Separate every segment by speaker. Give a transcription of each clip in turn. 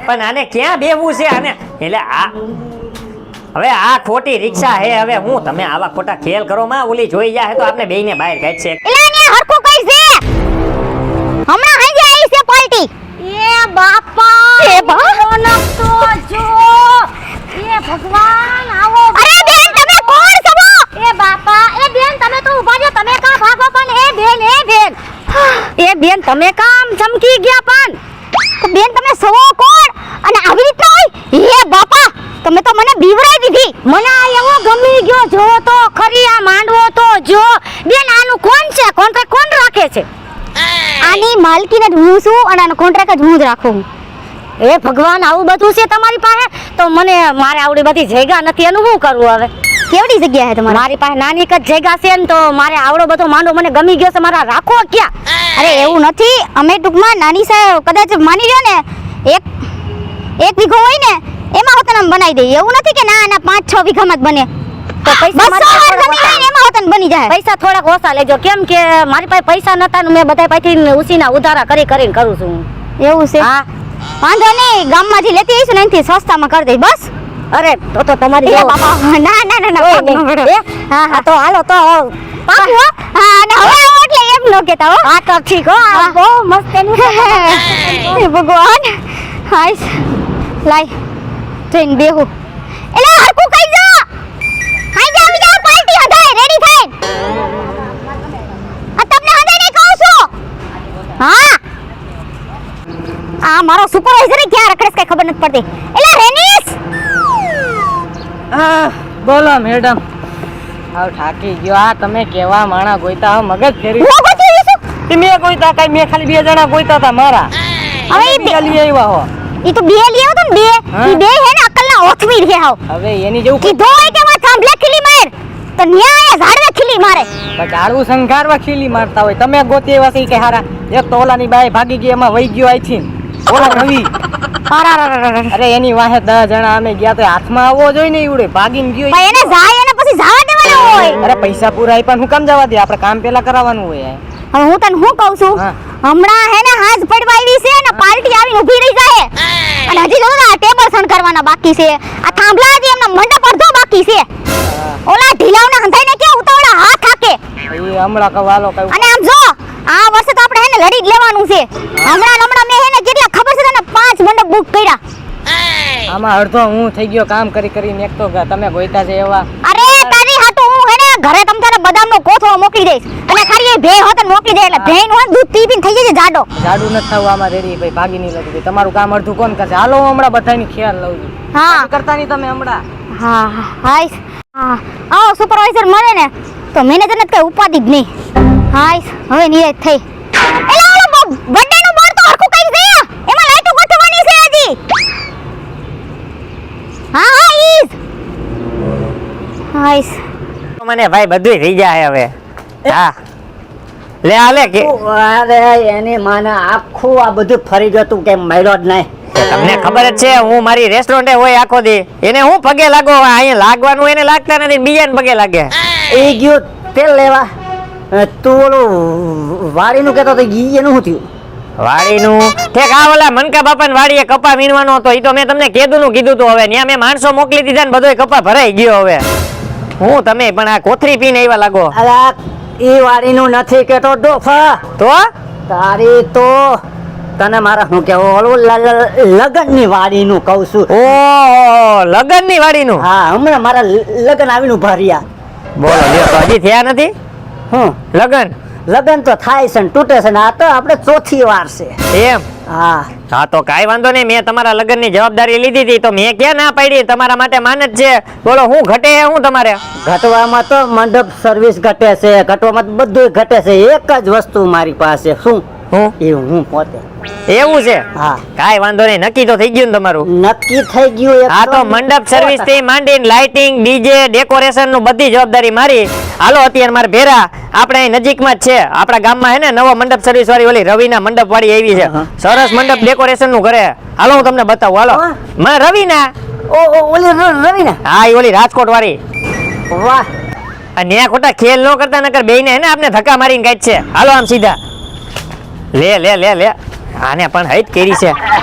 Speaker 1: પણ આને ક્યાં બેવું છે આને? એટલે આ હવે આ ખોટી રિક્ષા હે. હવે હું તમે આવા ખોટા ખેલ કરો માં ઓલી જોઈ જાય તો આપણે બેયને બહાર કાઢશે.
Speaker 2: એલા ને હરખું કઈ છે હમણાં હાજે આવી છે પાર્ટી. એ બાપા એ ભગવાન તો જો એ ભગવાન આવો. અરે બેન તમે કોણ છો? એ બાપા એ બેન તમે તો ઊભા છો. તમે કા ભાગો? પણ એ બેન તમે કામ ચમકી ગયા પણ તો બેન તમે સો કોણ અને આવી રીતના હોય? એ બાપા તમે તો મને બીવરાઈ દીધી. મને આ એવો ગમી ગયો. જો તો ખરી આ માંડવો તો જો. બેન આનું કોણ છે? કોન્ટ્રાક્ટ કોણ રાખે છે? આની માલકીને જ હું છું અને આનો કોન્ટ્રાક્ટ જ હું જ રાખું. એ ભગવાન આવું બધું છે તમારી પાસે તો મને મારે આવડી બધી જગ્યા નથી. એનું શું કરવું હવે? કેવડી જગ્યા છે તમારી? મારી પાસે નાની જ જગ્યા છે ને તો મારે આવડો બધો માંડવો મને ગમી ગયો છે. મારા રાખો ક્યાં? અરે એવું નથી. અમે ટૂંકમાં નાની સાહેબ કદાચ માની લ્યો ને એક વીઘો હોય ને એમાં હોતન આમ બનાવી દઈએ. એવું નથી કે ના 5-6 વીઘામાં જ બને. તો પૈસા એમાં હોતન બની જાય. પૈસા થોડાક ઓછા લેજો. કેમ કે મારી પાસે પૈસા નતા ને મેં બધા પાસેથી ઉસીના ઉધારા કરીને કરું છું. એવું છે? હા વાંધો નહીં. ગામમાંથી લેતી આવીશું ને એનાથી સસ્તામાં કરી દઈ બસ. અરે તો તમારી બાપા ના હા હા તો હાલો તો પાકું હો. હા અને હવે આવો એટલે એમ ન કહેતા હો. હા તો ઠીક હો. બહુ મસ્ત એનું ભગવાન. હાય લાય ટ્રેન બેહું. એલા હરકું કઈ જો. હાય જાવ જાવ પાર્ટી હદાય રેડી થઈ. આ તમને હદાય નહીં કહું છું. હા આ મારો સુપરવાઇઝર ક્યાં રખડે કઈ ખબર નથી પડતી. એલા રેનીસ
Speaker 3: બોલો મેડમ. આવ થાકી ગયો. આ તમે કેવા માણા ગોઈતા હો મગજ ફેરી.
Speaker 2: હું ગોતી છું.
Speaker 3: તમે ગોઈતા કઈ મેં ખાલી 2 જણા ગોઈતા હતા મારા.
Speaker 2: હવે
Speaker 3: બે લઈ આવ્યા હો.
Speaker 2: ઈ તો બે લઈ આવ્યો તો ને બે. ઈ બે હે ને અકલના ઓથવી રહે હાવ.
Speaker 3: હવે એની જેવું
Speaker 2: કીધો હોય કે માં થાંભલે ખીલી માર તો ન્યાય ઝાડવે ખીલી મારે.
Speaker 3: ઝાડવું સંઘારવા ખીલી મારતા હોય. તમે ગોતી એવા છે કે હારા. એક તો ઓલાની બાઈ ભાગી ગઈ એમાં વહી ગયો આઈ છે. ઓલા રવિ અરે એની વાહે 10 જણા અમે ગયા તો હાથમાં આવવો જોઈએ ને ઈવડે ભાગીને ગયો.
Speaker 2: ભાઈ એને જાય એને પછી જવા દેવાનો હોય.
Speaker 3: અરે પૈસા પૂરા આપ્યા હું કામ જવા દે? આપણે કામ પેલા કરાવવાનું હોય.
Speaker 2: હવે હું તને શું કહું છું હમણાં હે ને હાથ પડવા આવી છે ને પાર્ટી આવીને ઊભી રહી જાય અને હજી જો આ ટેબલ સણ કરવાના બાકી છે. આ થાંભલા હજી એમનો મંડપ અડધો બાકી છે. ઓલા ઢીલાવના હંધાઈને કે ઉતાવળા હાથ હાકે
Speaker 3: એ હમણાં કવાલો કઈ.
Speaker 2: અને આમ જો આ વર્ષે તો આપણે હે ને લડી જ લેવાનું છે. હમણાં મેં હે ને કેટલા ખબર છે તને 5 મંડપ બુક કર્યા.
Speaker 3: આમાં અડધો હું થઈ ગયો કામ કરીને. એક તો તમે ગોઈતા છે એવા.
Speaker 2: અરે તારી હાટુ હું હે ને ઘરે તમ તારે બદામનો કોથળો મોકલી દઈશ અને ખાલી એ ભે હોતન મોકલી દે એટલે ભેન હોય દૂધ પીને થઈ જશે જાડો.
Speaker 3: જાડુ નથી થવું આમાં રેડી ભાઈ. ભાગી નહીં લાગી. તમારું કામ અડધું કોણ કરશે? હાલો હું હમણાં બધાની ખ્યાલ લઉં છું.
Speaker 2: હા
Speaker 3: કરતા નહીં તમે હમણાં.
Speaker 2: હા હાઈસ હા આવો સુપરવાઇઝર મળે ને તો મેનેજરને કઈ ઉપાધિ જ નહીં. હાઈસ હવે નિયત થઈ. એલા ઓલો બર્થડે નું બોર્ડ તો હરખું કઈ દે. એમાં લાઈટો ગોઠવવાની છે હજી. હા હા ઈસ હાઈસ
Speaker 1: મને ભાઈ બધું થઈ જાય હવે. હા લે આલે કે
Speaker 4: અરે એની માને આખું આ બધું ફરી જતું કે મળ્યો જ નહીં.
Speaker 1: તમને ખબર જ છે હું મારી રેસ્ટોરન્ટે હોય આખો દી. એને હું પગે લાગો અહીંયા લાગવાનું એને લાગતા નથી બીજાને પગે લાગે.
Speaker 4: એ ગયો તેલ લેવા. તું ઓલું વાડીનું કહેતો તો એનું શું થયું?
Speaker 1: વાડીનું ઠેક આ ઓલા મનકા બાપાને વાડીએ કપા વીણવાનો હતો. ઈ તો મેં તમને કીધું તો હવે ત્યાં મેં માણસો મોકલી દીધા ને બધોય કપા ભરાઈ ગયો. હવે હું તમે પણ આ કોથરી પીને આવ્યા લાગો.
Speaker 4: અરે એ વાડીનું નથી કેતો ડોફા.
Speaker 1: તો
Speaker 4: તારી તો તને મારા શું કેવું ઓલું લગનની વાડીનું કહું છું.
Speaker 1: ઓ લગનની વાડીનું?
Speaker 4: હા હમણાં મારા લગન આવીને ઉભા રહ્યા.
Speaker 1: બોલો લ્યો તો હજી થયા નથી?
Speaker 4: હું લગન તો થાય છે ને તૂટે છે ને આ તો આપણે ચોથી વાર છે.
Speaker 1: એમ?
Speaker 4: હા
Speaker 1: હા તો કાઈ વાંધો નહીં. મેં તમારા લગનની જવાબદારી લીધી હતી તો મેં ક્યાં ના પાડી? તમારા માટે માન જ છે. બોલો હું ઘટે હું તમારે?
Speaker 4: ઘટવામાં તો મંડપ સર્વિસ ઘટે છે. ઘટવામાં બધું ઘટે છે. એક જ વસ્તુ મારી પાસે શું એ હું પોતે.
Speaker 1: એવું છે?
Speaker 4: હા
Speaker 1: કાઈ વાંધો નહીં. નક્કી તો થઈ ગયું ને તમારું?
Speaker 4: નક્કી થઈ ગયું.
Speaker 1: હા તો મંડપ સર્વિસ થી માંડીને લાઇટિંગ ડીજે ડેકોરેશન નું બધી જવાબદારી મારી. હાલો અત્યારે મારે ભેરા આપણે અહીં નજીકમાં જ છે. આપણા ગામમાં હે ને નવો મંડપ સર્વિસ વાળી ઓલી રવિના મંડપ વાળી આવી છે. સરસ મંડપ ડેકોરેશન નું કરે. હાલો હું તમને બતાવું. હાલો રવિના.
Speaker 4: ઓલી રવિના?
Speaker 1: હા એ ઓલી રાજકોટ વાળી.
Speaker 4: વાહ
Speaker 1: અને ખોટા ખેલ ન કરતા નકર બેયને હે ને આપણે ધક્કા મારીને કાઢ છે. હાલો આમ સીધા લે લે લે લે. આને પણ હૈત કેરી છે.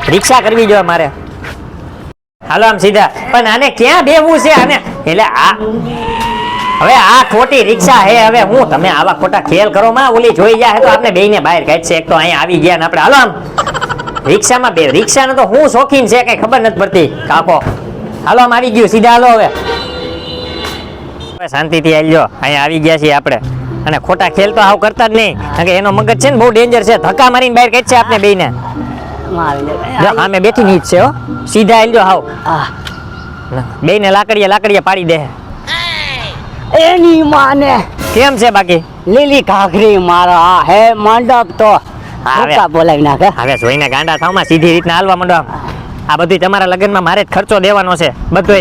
Speaker 1: રિક્ષા કરવી જોઈએ મારે. હાલો આમ સીધા. પણ આને ક્યાં બેવું છે આને? એટલે આ હવે આ ખોટી રિક્ષા હે. હવે હું તમે આવા ખોટા ખેલ કરો માં ઓલી જોઈ જાય તો આપણે બેયને બહાર કાઢશે. એક તો અહીંયા આવી ગયા ને આપણે. હાલો આમ રિક્ષામાં બે રિક્ષાનો તો હું શોખીન છે કઈ ખબર નથી પડતી. કાપો હાલો આમ આવી ગયું સીધા. હાલો હવે શાંતિથી હાલજો. અહીંયા આવી ગયા છીએ આપણે. અને ખોટા ખેલ તો આવ કરતા જ નહીં. કારણ કે એનો મગજ છે ને બહુ ડેન્જર છે. ધક્કા મારીને બહાર કાઢશે આપણે બેયને. જો આમે બેઠી ની જ છે હો. સીધા હાલજો હાવ. બેયને લાકડીએ પાડી દે.
Speaker 4: એની માને
Speaker 1: કેમ છે બાકી?
Speaker 4: લીલી ઘાઘરી મારા આ હે મંડપ તો
Speaker 1: હવે
Speaker 4: બોલાવી નાખે.
Speaker 1: હવે જોઈને ગાંડા થાવમાં સીધી રીતના હાલવા માંડો. આ બધું તમારા લગ્નમાં મારે જ ખર્ચો દેવાનો છે બધું.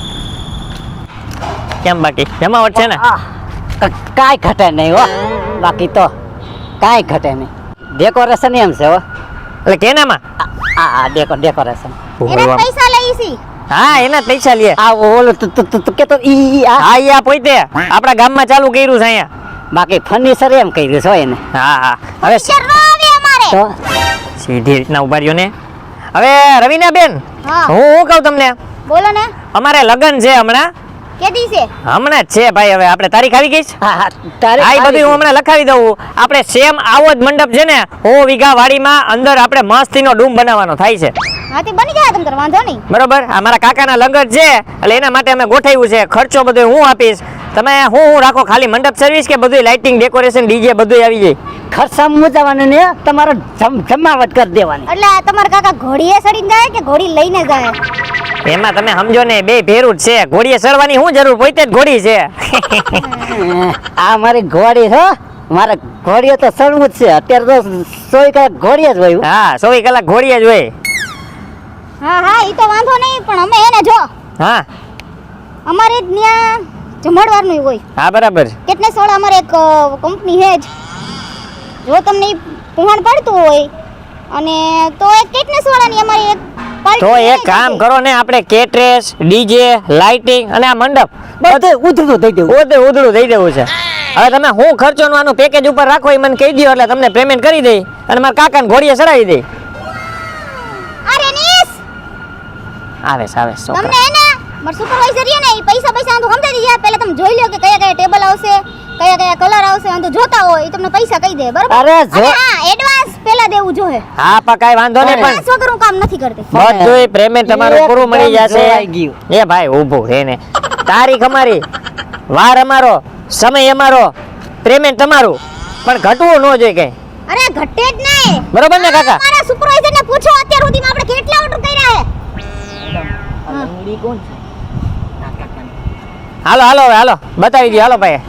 Speaker 1: કેમ બાકી જમાવટ છે ને?
Speaker 4: કાંઈ ઘટે નહીં હો. બાકી તો કાંઈ ઘટે નહીં. ડેકોરેશન એમ છે હો.
Speaker 1: એટલે કેનામાં?
Speaker 4: આ ડેકોરેશન
Speaker 2: એને પૈસા લઈ છી.
Speaker 1: હા એના જ પૈસા લે.
Speaker 4: આ ઓલો કે તો ઈ
Speaker 1: હા ઈ આ પોતે આપણા ગામમાં ચાલુ કર્યું છે અહીંયા.
Speaker 4: બાકી ફર્નિચર એમ કર્યું છે એને.
Speaker 1: હા હવે
Speaker 2: શરમાવે અમારે.
Speaker 4: તો
Speaker 1: સીધી રીતના ઉભા રહ્યો ને. હવે રવિના બેન
Speaker 2: હા.
Speaker 1: હું કહું તમને
Speaker 2: બોલો ને.
Speaker 1: અમારે લગ્ન છે હમણાં.
Speaker 2: કેદી છે?
Speaker 1: હમણાં જ છે ભાઈ. હવે આપણે તારીખ આવી ગઈ છે.
Speaker 4: હા તારે
Speaker 1: આ બધું હું હમણાં લખાવી દઉં. આપણે સેમ આવો જ મંડપ છે ને 100 વીઘા વાડીમાં અંદર આપણે મસ્તીનો ડૂમ બનાવવાનો થાય છે.
Speaker 2: હા તે બની જાય તમ તાર વાંધો નહીં.
Speaker 1: બરોબર. આ મારા કાકાના લગ્ન છે એટલે એના માટે અમે ગોઠવ્યું છે. ખર્ચો બધો હું આપીશ. તમે હું રાખો ખાલી મંડપ સર્વિસ કે બધું લાઇટિંગ ડેકોરેશન ડીજે બધું આવી જાય?
Speaker 4: ખર્ચા મુજાવાનું ને તમારે જમાવટ કરી દેવાની.
Speaker 2: એટલે તમારા કાકા ઘોડીએ ચડીને જાય કે ઘોડી લઈને જાય?
Speaker 1: એમાં તમે સમજો ને બે ભેરું જ છે. ઘોડીએ ચડવાની શું જરૂર? પોતે જ ઘોડી છે.
Speaker 4: આ મારી ઘોડી છે. મારે ઘોડીએ તો ચડવું જ છે. અત્યારે તો 100 કલાક ઘોડીએ જ હોય.
Speaker 1: હા 24 કલાક ઘોડીએ જ હોય.
Speaker 2: હા ઈ તો વાંધો નહીં પણ અમે એને જો
Speaker 1: હા
Speaker 2: અમારે ત્યાં જમણવારનું હોય.
Speaker 1: હા બરાબર.
Speaker 2: કેટલે સોળ અમારે એક કંપની છે જ. જો તમને ઈ પુહાણ પડતું હોય અને તો એક કેટલે સોળાની અમારી એક
Speaker 1: તો એક કામ કરો ને આપણે કેટરેસ ડીજે લાઇટિંગ અને આ મંડપ
Speaker 4: બધું ઉધડું દઈ દેવું.
Speaker 1: ઉધડું દઈ દેવું છે. હવે તમે હું ખર્ચોનું આનું પેકેજ ઉપર રાખો એ મને કહી દો એટલે તમને પેમેન્ટ કરી દઈ અને મારા કાકાને ઘોડીએ ચડાવી દઈ.
Speaker 2: અરે નીસ
Speaker 1: આવે છોકરા.
Speaker 2: તમને એને માર સુપરવાઇઝર છે ને ઈ પૈસા તો સમજાઈ દીધા. પહેલા તમે જોઈ લો કે કયા ટેબલ આવશે કયા કલર આવશે અને તો જોતા હોય ઈ તમને પૈસા કહી દે બરાબર.
Speaker 4: અરે જો
Speaker 2: અને હા એડવાન્સ પહેલા દેવું જોઈએ.
Speaker 1: હા પણ કાંઈ વાંધો નહીં પણ
Speaker 2: એડવાન્સ વગર હું કામ નથી કરતી.
Speaker 1: બધુંય પેમેન્ટ તમારું પૂરું મળી
Speaker 4: જોવાઈ
Speaker 1: જશે.
Speaker 4: ગયું.
Speaker 1: એ ભાઈ ઊભું રે ને. તારીખ અમારી, વાર અમારો, સમય અમારો, પેમેન્ટ તમારું. પણ ઘટવું ન જોઈએ કઈ.
Speaker 2: અરે ઘટે જ નહીં.
Speaker 1: બરોબર ને કાકા?
Speaker 2: મારા સુપરવાઇઝર ને પૂછો અત્યાર સુધીમાં આપણે કેટલા ઓર્ડર કર્યા છે.
Speaker 1: હાલો હવે હાલો બતાવી દો. હાલો ભાઈ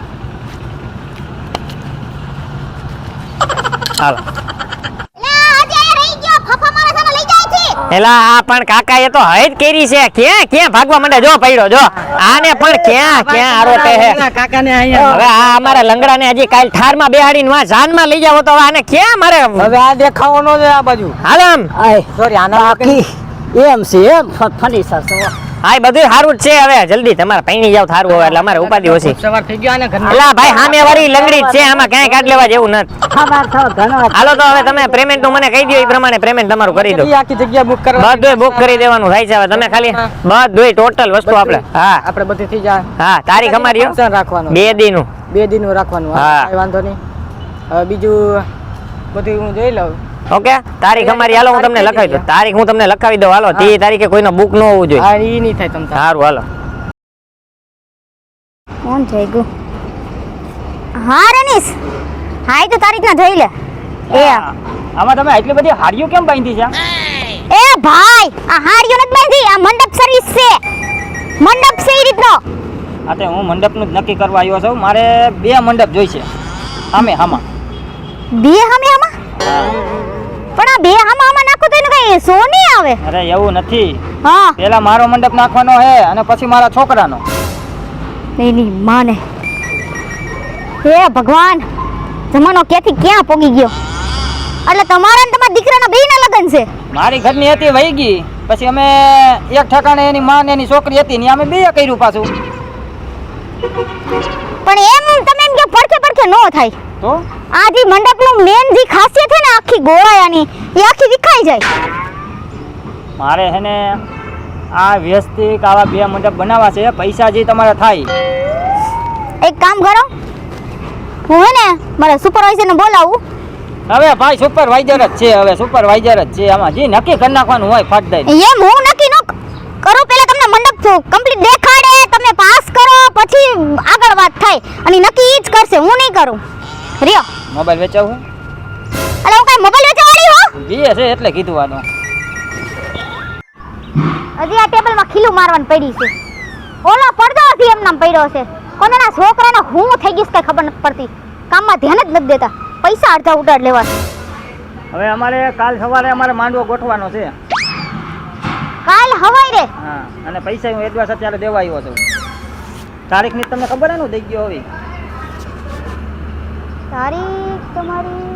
Speaker 1: હાલો.
Speaker 2: લે આજે આ રહી ગયો ફફા મારા સામે લઈ જાય છે.
Speaker 1: એલા આ પણ કાકા એ તો હૈદ કેરી છે. ક્યાં ભાગવા માંડે? જો પડ્યો જો. આને પણ ક્યાં આરોપે હે.
Speaker 3: કાકાને અહીંયા
Speaker 1: હવે આ અમારા લંગડાને હજી કાલ ઠારમાં બેહાડીને વા જાનમાં લઈ જાવ તો હવે આને ક્યાં મારે?
Speaker 3: હવે આ દેખાવાનો છે આ બાજુ.
Speaker 1: હાલો આમ.
Speaker 4: આય
Speaker 3: સોરી આના
Speaker 4: બાકી એમ છે એમ ફર્નિચર છે.
Speaker 1: હા બધું સારું જ છે. હવે જલ્દી તમારે પૈણી જાવ થારું હવે એટલે અમારે ઉપાધિ ઓછી.
Speaker 3: સવાર થઈ ગયો આને ઘરના.
Speaker 1: એલા ભાઈ સામે વાળી લંગડી જ છે. આમાં ક્યાંય કાઢ લેવા જેવું નથી.
Speaker 4: ખબર થો ઘણો
Speaker 1: હાલો તો હવે તમે પેમેન્ટ નું મને કહી દો એ પ્રમાણે પેમેન્ટ તમારું કરી દો.
Speaker 3: કેટલી આખી જગ્યા બુક કરવા
Speaker 1: બધુંય બુક કરી દેવાનું થાય છે. હવે તમે ખાલી બધુંય ટોટલ વસ્તુ આપણે હા
Speaker 3: આપણે બધી થઈ જાય.
Speaker 1: હા તારીખ અમારી હો.
Speaker 3: ફંક્શન રાખવાનું
Speaker 1: 2 દીનું.
Speaker 3: 2 દિનનું રાખવાનું.
Speaker 1: હા.
Speaker 3: કાંઈ વાંધો નહીં. હવે બીજું બધું હું જોઈ લઉં.
Speaker 1: ઓકે તારીખ અમારી હાલો હું તમને લખાવી દઉં. તારીખ હું તમને લખાવી દઉં. હાલો તે તારીખે કોઈનો બુક ન હોવું જોઈએ.
Speaker 3: હા ઈ નહીં થાય તમ તાર.
Speaker 1: સારું હાલો.
Speaker 2: કોણ થઈ ગયું? હા રનીશ હા ઈ તો તારીખ ના જોઈ લે. એ
Speaker 3: આમાં તમે આટલી બધી હાડીઓ કેમ બાંધી છે?
Speaker 2: એ ભાઈ આ હારીઓ નથી બાંધી આ મંડપ સર્વિસ છે. મંડપ છે ઈ રીતનો.
Speaker 3: આ તે હું મંડપનું જ નક્કી કરવા આવ્યો છું. મારે 2 મંડપ જોઈશે. હામાં
Speaker 2: બે હમે આમાં પણ આ બે આમાં નાખો તો એનું કઈ સો નહીં આવે.
Speaker 3: અરે એવું નથી.
Speaker 2: હા
Speaker 3: પેલા મારો મંડપ નાખવાનો હે અને પછી મારા છોકરાનો.
Speaker 2: એની માને હે ભગવાન જમાનો ક્યાંથી ક્યાં પોગી ગયો. એટલે તમારા ને તમારા દીકરાના બેયના લગ્ન છે.
Speaker 3: મારી ઘરની હતી વહી ગઈ પછી અમે એક ઠકાણે એની માં ને એની છોકરી હતી ને અમે 2 કર્યું પાછું.
Speaker 2: પણ એમ તમે એમ કે પડખે નો થાય
Speaker 3: તો
Speaker 2: આ જે મંડપનું મેન જે ખાસિયત છે ને આખી ગોળાયાની એ આખી વિખાઈ જાય.
Speaker 3: મારે હે ને આ વ્યસ્તિક આવા 2 મંડપ બનાવવા છે. પૈસા જે તમારે થાય.
Speaker 2: એક કામ કરો, હું હે ને મારા સુપરવાઇઝર ને બોલાવું.
Speaker 3: હવે ભાઈ સુપરવાઇઝર જ છે, હવે સુપરવાઇઝર જ છે. આમાં જે નક્કી કરી નાખવાનું હોય ફટ દઈ.
Speaker 2: એમ હું નક્કી ન કરું, પહેલા તમને મંડપ કમ્પ્લીટ દેખાડે, તમે પાસ કરો, પછી આગળ વાત થાય. અને નક્કી ઈ જ કરશે, હું નહીં કરું. રિયો
Speaker 3: મોબાઈલ વેચાવું
Speaker 2: અલે હું કઈ મોબાઈલ વેચવાળી હો?
Speaker 3: બીએ છે એટલે કીધું આનું.
Speaker 2: હજી આ ટેબલમાં ખીલું મારવાની પડી છે. ઓલો પડદો હતી એમ નામ પડ્યો છે. કોનાના છોકરાનો હું થઈ ગઈશ કઈ ખબર નથી પડતી. કામમાં ધ્યાન જ નથી દેતા. પૈસા અડધા ઉડાડ લેવા છે.
Speaker 3: હવે અમારે કાલ સવારે અમારે માંડવો ગોઠવાનો છે.
Speaker 2: કાલ હવાઈ રે.
Speaker 3: હા, અને પૈસા હું એડવાન્સ અત્યારે દેવા આવ્યો છું. તારીખની તમને ખબર હે ને દઈ ગયો હવે.
Speaker 2: તારીખ તમારી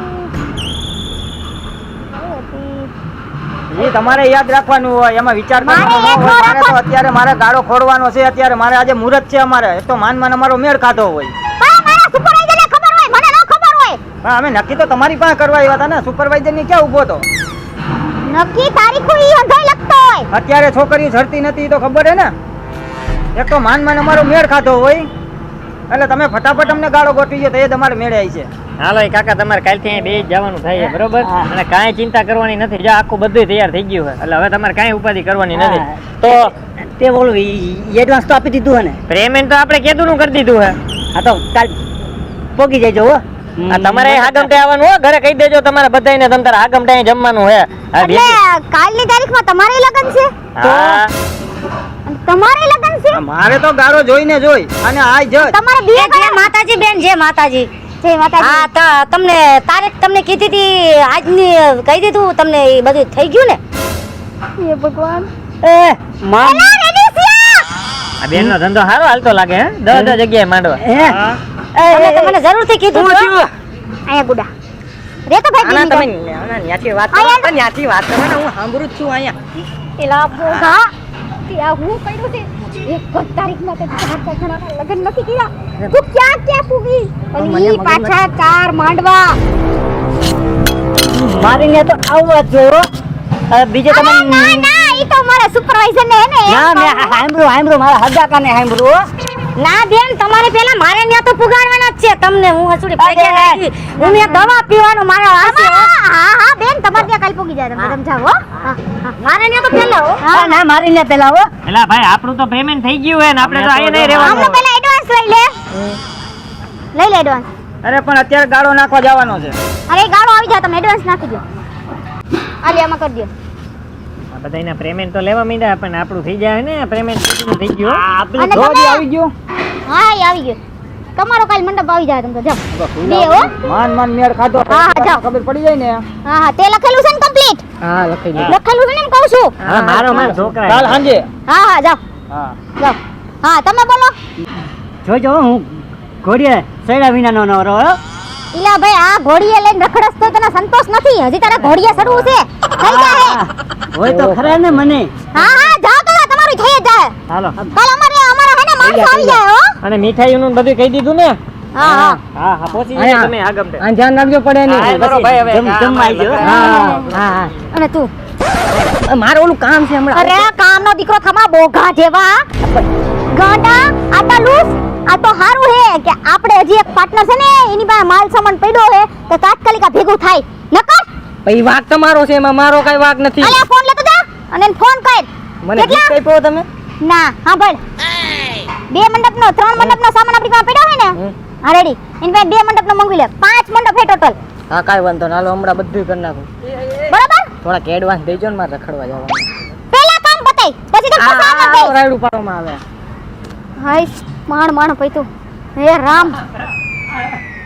Speaker 2: કઈ હતી?
Speaker 3: એ તમારે યાદ રાખવાનું હોય, એમાં વિચાર
Speaker 2: મારે
Speaker 3: કરવાનો
Speaker 2: યાદ
Speaker 3: હોય.
Speaker 2: ન
Speaker 3: મારે તો અત્યારે મારે ગાળો ખોડવાનો છે. અત્યારે મારે આજે મુહૂર્ત છે. અમારે એક તો માનમાં અમારો મેળ ખાધો હોય.
Speaker 2: પણ મારા સુપરવાઇઝરને ખબર હોય, મને ન ખબર હોય.
Speaker 3: પણ અમે નક્કી તો તમારી પાસે કરવા આવ્યા હતા ને. સુપરવાઇઝર ની ક્યાં ઊભો તો?
Speaker 2: નક્કી તારીખો ઈ અંધાઈ લખતો હોય.
Speaker 3: અત્યારે છોકરીઓ ઝડતી નથી તો ખબર હે ને. એક તો માનમાં અમારો મેળ ખાધો હોય એટલે તમે ફટાફટ અમને ગાળો ગોઠવી ગયો તો એ તમારે મેળે આવી છે.
Speaker 1: હાલો એ કાકા તમારે કાલથી અહીં બે જવાનું થાય છે, બરોબર? અને કાંઈ ચિંતા કરવાની નથી. જો આખું બધું તૈયાર થઈ ગયું છે એટલે હવે તમારે કાંઈ ઉપાધિ કરવાની નથી. તો
Speaker 4: તે બોલું એડવાન્સ તો આપી દીધું હે ને?
Speaker 1: પેમેન્ટ તો આપણે કેદુંનું કરી દીધું છે.
Speaker 4: હા તો કાલ પોગી જજો હો.
Speaker 1: આ તમારે હાગમટે આવવાનું હો, ઘરે કહી દેજો તમારે બધાયને તમ તારે હાગમટે અહીં જમવાનું છે. હા,
Speaker 2: એટલે કાલની તારીખમાં તમારે લગન છે?
Speaker 1: હા.
Speaker 2: અને તમારે લગન છે?
Speaker 3: મારે તો ગાળો જોઈને જોઈ અને આ જ
Speaker 2: તમારે બે
Speaker 5: જય માતાજી બેન, જય માતાજી.
Speaker 2: જય માતાજી.
Speaker 5: હા તો તમને તારીખ તમને કીધી હતી આજની, કહી દીધું તમને, એ બધું થઈ ગયું ને?
Speaker 2: હે ભગવાન.
Speaker 4: એ માન
Speaker 2: એલા રેડિસિયા!
Speaker 1: આ બેનનો ધંધો સારો હાલતો લાગે હે. 10 જગ્યાએ માંડવા.
Speaker 5: તમે મને જરૂરથી કીધું હતું.
Speaker 2: અહીંયા ગુડા રે તો ભાઈ
Speaker 3: આના તમે
Speaker 2: બીજી
Speaker 3: ન્યાથી વાત કરો તો ન્યાથી વાત કરો ને. હું સાંભળું જ છું અહીંયા.
Speaker 2: એલા ભોગા ત્યાં હું પડ્યું છે. એક જ તારીખમાં તે 4 જણાના લગન નથી કર્યા. તું ક્યાં પૂગી? અને ઈ પાછા 4 માંડવા.
Speaker 4: મારીને તો આવવા જ જોઈએ હો. બીજે તમે
Speaker 2: અરે ના ના, ઈ તો મારા સુપરવાઇઝર ને હે ને એમ
Speaker 4: ના મેં
Speaker 2: કહું.
Speaker 4: સાંભળ્યું મારા હગાકાને સાંભળ્યું હો.
Speaker 5: ના બેન, તમારે પેલા મારે ત્યાં તો પુગાડવાના જ છે તમને. હું હસુડી પગે લાગી, હું ત્યાં દવા પીવાનું મારા વાસી હો.
Speaker 2: હા હા બેન, તમારે ત્યાં કાલ પૂગી જાય, તમે સમજાવો હો. હા હા.
Speaker 5: મારે ત્યાં તો પેલા હો.
Speaker 4: હા ના મારીને પેલા હો.
Speaker 1: એલા ભાઈ આપણું તો પેમેન્ટ થઈ ગયું હે ને આપણે તો અહીં નહીં
Speaker 2: આમનો
Speaker 1: રહેવાનું.
Speaker 2: પહેલા એડવાન્સ લઈ લે. લઈ લે એડવાન્સ.
Speaker 3: અરે પણ અત્યારે ગાળો નાખવા જવાનો છે.
Speaker 2: અરે ગાળો આવી જાય, તમે એડવાન્સ નાખી દો. આલી આમાં કરી દો.
Speaker 1: આ બધાયના પેમેન્ટ તો લેવા માંડ્યા પણ આપણું થઈ જાય ને પેમેન્ટ થઈ ગયું.
Speaker 3: આપણે
Speaker 2: અને
Speaker 3: જોડી
Speaker 2: તમે-
Speaker 3: આવી ગયો.
Speaker 2: હા એ આવી ગયો. તમારો કાલ મંડપ આવી જાય, તમે તો જાઓ. બે હો.
Speaker 3: માન મેળ ખાધો
Speaker 2: હા, હા, જાઓ.
Speaker 3: ખબર પડી જાય ને.
Speaker 2: હા હા, તે લખેલું છે ને કમ્પ્લીટ?
Speaker 3: હા લખી દે.
Speaker 2: લખેલું છે ને એમ કહું છું.
Speaker 1: હા મારો છોકરા
Speaker 3: કાલ સાંજે.
Speaker 2: હા હા જાઓ
Speaker 3: હા.
Speaker 2: જાઓ. હા તમે બોલો.
Speaker 4: જોજો હું ઘોડીએ સૈડા વિનાનો ન રહો હો.
Speaker 2: ઈલા ભાઈ, આ ઘોડીએ લઈને રખડસ તો તને સંતોષ નથી. હજી તારે ઘોડીએ ચડવું છે. થઈ જાય.
Speaker 4: હોય તો ખરા ને મને.
Speaker 2: હા હા જાઓ તમે, તમારું થઈ જ જાય.
Speaker 1: હાલો.
Speaker 2: કાલ અમારા હે ને માણસો આવી જાય હો.
Speaker 1: અને મીઠાઈનું બધું કહી દીધું ને?
Speaker 2: હા હા.
Speaker 1: હા હા પહોંચી જાય તમે આગમટે.
Speaker 3: આ ધ્યાન રાખજો પડે
Speaker 1: હા,
Speaker 3: નહીં.
Speaker 1: બરો ભાઈ હવે.
Speaker 4: જમવા આવી જાઓ.
Speaker 3: હા હા
Speaker 2: અને તું
Speaker 3: હા. મારે ઓલું કામ છે હમણાં.
Speaker 2: અરે કામનો દીકરો થમા બોઘા જેવા ગાંડા આટા લૂસ. આ તો હારું હે કે આપણે હજી એક પાર્ટનર છે ને, એની પાસે માલ સામાન પડ્યો હે તો તાત્કાલિક આ ભેગું થાય. નકર
Speaker 3: પછી વાક તમારો છે, એમાં મારો કઈ વાક નથી.
Speaker 2: અલે ફોન લેતો જા અને એને ફોન કર.
Speaker 3: મને ગીત આપ્યો તમે?
Speaker 2: ના હા ભાઈ, 2 મંડપનો 3 મંડપનો સામાન આપણી પાસે પડ્યો હોય ને, હા રેડી, એની પાસે 2 મંડપનો મંગવી લે. 5 મંડપ હે ટોટલ.
Speaker 3: હા કાંઈ વાંધો ના. હાલો હમણાં બધું કરી નાખું.
Speaker 2: બરાબર?
Speaker 3: થોડાક એડવાન્સ દેજો ને, મારે રખડવા જવાનું.
Speaker 2: પહેલા કામ પતાય પછી તો ફસાવા
Speaker 3: આ
Speaker 2: દે.
Speaker 3: રાયડું પાડવામાં આવે.
Speaker 2: હાય માણ માણ પૈતું. હે રામ.